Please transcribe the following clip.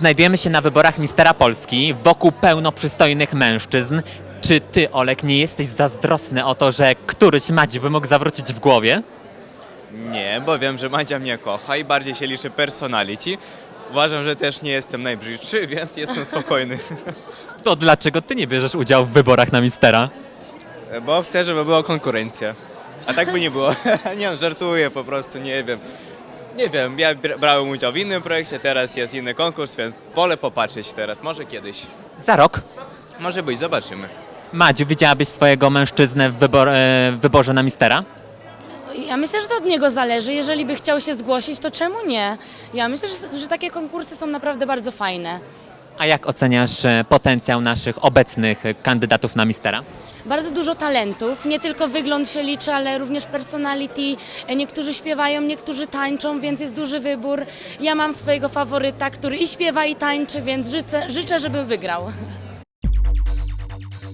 Znajdujemy się na wyborach Mistera Polski, wokół pełno przystojnych mężczyzn. Czy ty, Olek, nie jesteś zazdrosny o to, że któryś Madzi by mógł zawrócić w głowie? Nie, bo wiem, że Madzia mnie kocha i bardziej się liczy personality. Uważam, że też nie jestem najbrzydszy, więc jestem spokojny. To dlaczego ty nie bierzesz udziału w wyborach na Mistera? Bo chcę, żeby była konkurencja. A tak by nie było. Nie wiem, żartuję po prostu, nie wiem. Nie wiem, ja brałem udział w innym projekcie, teraz jest inny konkurs, więc wolę popatrzeć teraz, może kiedyś. Za rok. Może być, zobaczymy. Madziu, widziałabyś swojego mężczyznę w wyborze na Mistera? Ja myślę, że to od niego zależy. Jeżeli by chciał się zgłosić, to czemu nie? Ja myślę, że takie konkursy są naprawdę bardzo fajne. A jak oceniasz potencjał naszych obecnych kandydatów na Mistera? Bardzo dużo talentów, nie tylko wygląd się liczy, ale również personality. Niektórzy śpiewają, niektórzy tańczą, więc jest duży wybór. Ja mam swojego faworyta, który i śpiewa, i tańczy, więc życzę, żeby wygrał.